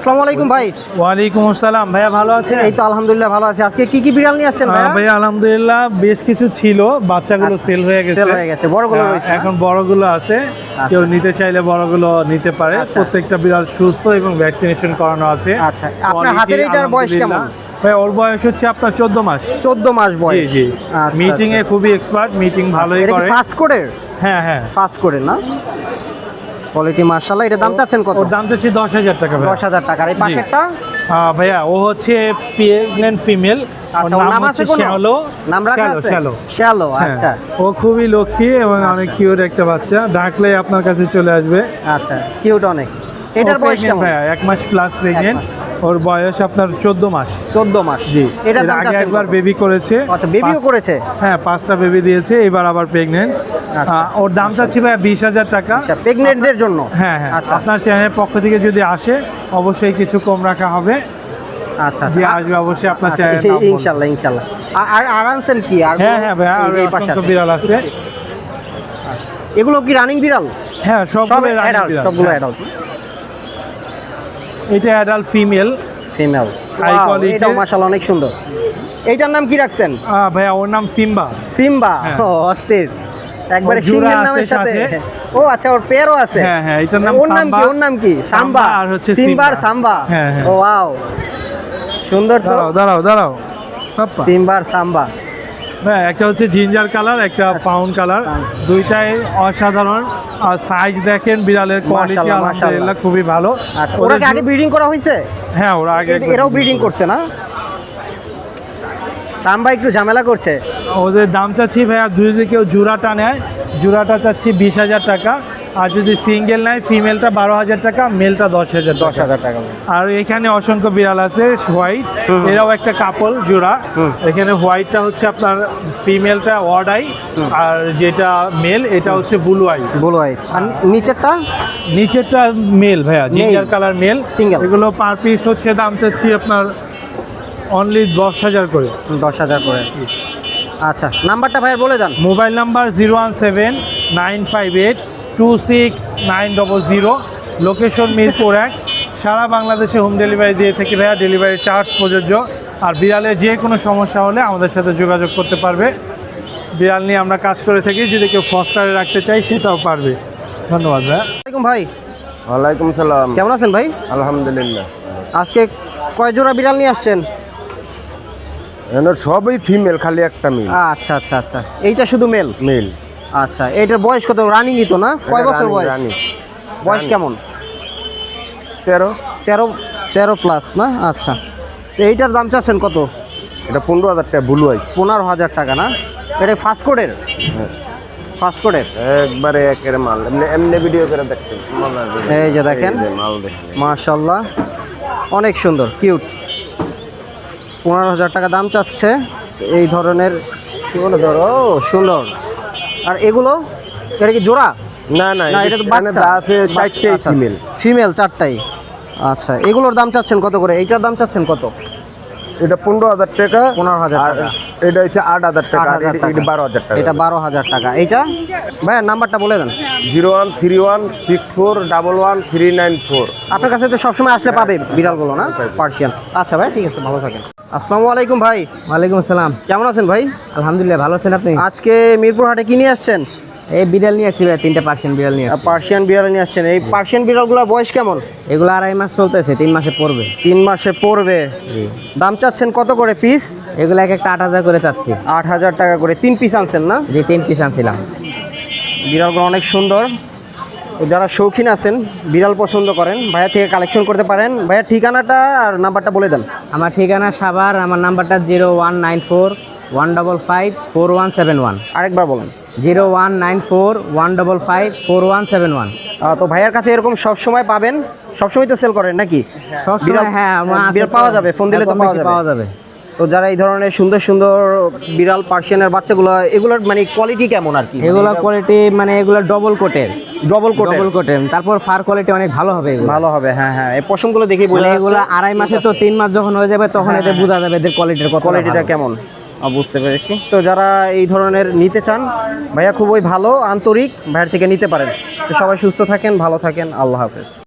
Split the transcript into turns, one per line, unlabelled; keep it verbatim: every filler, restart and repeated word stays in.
আসসালামু আলাইকুম ভাই।
ওয়ালাইকুম আসসালাম ভাইয়া, ভালো আছেন?
এই তো আলহামদুলিল্লাহ ভালো আছি। আজকে কি কি বিড়াল নিয়ে আসছেন ভাইয়া?
ভাইয়া আলহামদুলিল্লাহ বেশ কিছু ছিল, বাচ্চাগুলো সেল হয়ে গেছে,
সেল হয়ে গেছে, বড়গুলো
হ্যাঁ,
রয়েছে।
এখন বড়গুলো আছে, কেউ নিতে চাইলে বড়গুলো নিতে পারে। প্রত্যেকটা বিড়াল সুস্থ এবং ভ্যাকসিনেশন করানো আছে।
আচ্ছা, আপনার হাতের এটার বয়স কেমন?
ভাই ওর বয়স হচ্ছে আপনার চোদ্দ মাস।
চোদ্দ মাস বয়স।
জি জি, মিটিং এ খুবই এক্সপার্ট, মিটিং ভালোই করে।
ফাস্ট কোডের?
হ্যাঁ হ্যাঁ,
ফাস্ট কোডের না? কোয়ালিটি মাশাআল্লাহ। এটা দাম চাচ্ছেন কত?
ওর দাম চাচ্ছি দশ হাজার টাকা।
দশ হাজার টাকা। আর এই পাশেরটা?
হ্যাঁ ভাইয়া, ও হচ্ছে প্রেগন্যান্ট ফিমেল।
আচ্ছা, ওর নাম আছে কোনো?
শ্যালো।
নাম রাখা আছে?
শ্যালো।
শ্যালো, আচ্ছা।
ও খুবই লক্ষ্মী এবং অনেক কিউট একটা বাচ্চা, ডাকলে আপনার কাছে চলে আসবে।
আচ্ছা, কিউট অনেক। এটার বয়স কেমন?
ভাইয়া এক মাস প্লাস প্রেগন্যান্ট, ওর বয়স আপনার চোদ্দ মাস।
চোদ্দ মাস,
জি।
এটার দাম
আগে একবার বেবি করেছে।
আচ্ছা, বেবিও করেছে?
হ্যাঁ, পাঁচটা বেবি দিয়েছে, এবার আবার প্রেগন্যান্ট। ওর দাম চাচ্ছি ভাইয়া বিশ হাজার টাকা
প্রেগন্যান্টের জন্য।
হ্যাঁ হ্যাঁ, আপনার চ্যানেলের পক্ষ থেকে যদি আসে অবশ্যই কিছু কম রাখা হবে।
আচ্ছা,
যে আসবে অবশ্যই আপনার চ্যানেল।
ইনশাআল্লাহ ইনশাআল্লাহ। আর আর আনছেন কি? আর
হ্যাঁ হ্যাঁ ভাইয়া, আর অসংখ্য বিড়াল আছে।
এগুলো কি রানিং বিড়াল?
হ্যাঁ, সবগুলো রানিং বিড়াল,
সবগুলো অ্যাডাল্ট।
এটা adult female.
Female, high quality. এটা মাশাআল্লাহ অনেক সুন্দর। এইটার নাম কি রাখছেন?
ভাইয়া ওর নাম সিম্বা।
সিম্বা, ও অস্থির, একবারে সিংহের নামের সাথে। ও আচ্ছা, ওর পেয়ারও আছে?
হ্যাঁ হ্যাঁ, এটার নাম
ওর নাম কি? ওর নাম কি? সাম্বা।
আর হচ্ছে
সিম্বার সাম্বা।
হ্যাঁ হ্যাঁ,
ও ওয়াও, সুন্দর তো।
দাঁড়াও দাঁড়াও দাঁড়াও,
সিম্বার সাম্বা।
হ্যাঁ, একটা হচ্ছে জিঞ্জার কালার, একটা ফাউন্ড কালার, দুইটাই অসাধারণ। আর সাইজ দেখেন, বিড়ালের কোয়ালিটি আলহামদুলিল্লাহ খুবই ভালো।
আচ্ছা, ওরা কি আগে ব্রিডিং করা হয়েছে?
হ্যাঁ, ওরা আগে,
এরাও ব্রিডিং করছে না? সাম্বা একটু ঝামেলা করছে।
ওদের দাম চাচ্ছি ভাইয়া, যদি কেউ জোড়াটা নেয়, জোড়াটা চাচ্ছি বিশ হাজার টাকা। আর যদি সিঙ্গেল নেয়, ফিমেলটা বারো হাজার টাকা, মেলটা দশ হাজার
দশ হাজার টাকা।
আর এখানে অসংখ্য বিড়াল আছে হোয়াইট, এরাও একটা কাপল জোড়া। এখানে হোয়াইটটা হচ্ছে আপনার ফিমেলটা ওয়ার্ড আই, আর যেটা মেল এটা হচ্ছে ব্লু আই।
Blue eyes. আর নিচেরটা?
নিচেরটা মেল ভাইয়া, জিঞ্জার কালার মেল,
সিঙ্গেল।
এগুলো পার পিস হচ্ছে দাম চাচ্ছি আপনার অনলি দশ হাজার করে।
দশ হাজার করে। আচ্ছা, নাম্বারটা ভাইয়ের বলে দেন।
Mobile number zero one seven nine five eight two six nine double zero, location Mirpur এক। সারা বাংলাদেশে হোম ডেলিভারি দিয়ে থাকি ভাইয়া, ডেলিভারি চার্জ প্রযোজ্য। আর বিড়ালের যে কোনো সমস্যা হলে আমাদের সাথে যোগাযোগ করতে পারবে। বিড়াল নিয়ে আমরা কাজ করে থাকি, যদি কেউ ফস্টারে রাখতে চাই সেটাও পারবে। ধন্যবাদ ভাইয়া।
ওয়ালাইকুম ভাই।
ওয়ালাইকুম সালাম।
কেমন আছেন ভাই?
আলহামদুলিল্লাহ।
আজকে কয় জোড়া বিড়াল নিয়ে আসছেন?
সবই ফিমেল, খালি একটা মেল।
আচ্ছা আচ্ছা আচ্ছা, এইটা শুধু মেল?
মেল।
আচ্ছা, এইটার বয়স কত? রানিংই তো না? কয় বছর বয়স? বয়স কেমন?
তেরো।
তেরো তেরো প্লাস না? আচ্ছা, এইটার দাম চাচ্ছেন কত?
এটা পনেরো হাজার টাকা ব্লু আই।
পনেরো হাজার টাকা না? এটা ফাস্ট কোডের? ফাস্ট কোডের
একবারে একের মাল, এমনি এমনি ভিডিও করে দেখতে।
এই যে দেখেন,
মাল দেখেন
মাশাআল্লাহ অনেক সুন্দর, কিউট। পনেরো হাজার টাকা দাম চাচ্ছে এই ধরনের। কি বলে ধরো, সুন্দর। আর এগুলো, এটা কি জোড়া?
না না,
এটা তো বাচ্চা।
চারটেই ফিমেল।
ফিমেল চারটাই। আচ্ছা, এগুলোর দাম চাচ্ছেন কত করে? এইটার দাম চাচ্ছেন কত?
এটা পনেরো হাজার টাকা।
পনেরো হাজার টাকা।
এটা হচ্ছে আট হাজার টাকা। এটা বারো হাজার টাকা।
এটা বারো হাজার টাকা। এইটা ভাইয়া নাম্বারটা বলে দেন।
Zero one three one six four double one three nine four.
আপনার কাছে তো সবসময় আসলে পাবে বিড়ালগুলো না? পার্সিয়ান। আচ্ছা ভাই, ঠিক আছে, ভালো থাকেন। আসসালামু আলাইকুম ভাই।
ওয়ালাইকুম আসসালাম।
কেমন আছেন ভাই?
আলহামদুলিল্লাহ, ভালো আছেন আপনি?
আজকে মিরপুর হাটে কি নিয়ে আসছেন?
এই বিড়াল নিয়ে আসছি ভাই, তিনটা পার্সিয়ান বিড়াল নিয়ে আসছি।
পার্সিয়ান বিড়াল নিয়ে আসছেন। এই পার্সিয়ান বিড়ালগুলোর বয়স কেমন?
এগুলো আড়াই মাস চলতেছে, তিন মাসে পড়বে।
তিন মাসে পড়বে। দাম চাচ্ছেন কত করে পিস?
এগুলো এক একটা আট হাজার করে চাচ্ছি।
আট হাজার টাকা করে। তিন পিস আনছেন না?
জি, তিন পিস আনছিলাম।
বিড়ালগুলো অনেক সুন্দর। যারা শৌখিন আছেন, বিড়াল পছন্দ করেন, ভাইয়া থেকে কালেকশন করতে পারেন। ভাইয়া ঠিকানাটা আর নাম্বারটা বলে দেন।
আমার ঠিকানা সাভার, আমার নাম্বারটা zero one nine four one double five four one seven one.
আরেকবার বলেন।
Zero one nine four one double five four one seven one.
তো ভাইয়ার কাছে এরকম সবসময় পাবেন? সবসময় তো সেল করেন নাকি?
সবসময়, হ্যাঁ,
বিড়াল পাওয়া যাবে, ফোন দিলে তো পাওয়া যাবে। তো যারা এই ধরনের সুন্দর সুন্দর বিড়াল, পার্সিয়ানের বাচ্চাগুলো, এগুলোর মানে কোয়ালিটি কেমন আর কি?
এগুলো কোয়ালিটি মানে এগুলো ডবল কোটের।
ডবল কোট
ডবল কোটের, তারপর ফার কোয়ালিটি অনেক ভালো হবে।
ভালো হবে, হ্যাঁ হ্যাঁ। এই পশমগুলো দেখেই বোঝা
যাচ্ছে। এগুলো আড়াই মাসে তো তিন মাস যখন হয়ে যাবে তখন এদের বোঝা যাবে এদের কোয়ালিটির কত,
কোয়ালিটিটা কেমন। বুঝতে পেরেছি। তো যারা এই ধরনের নিতে চান, ভাইয়া খুবই ভালো, আন্তরিক, ভাইয়ের থেকে নিতে পারেন। তো সবাই সুস্থ থাকেন, ভালো থাকেন, আল্লাহ হাফেজ।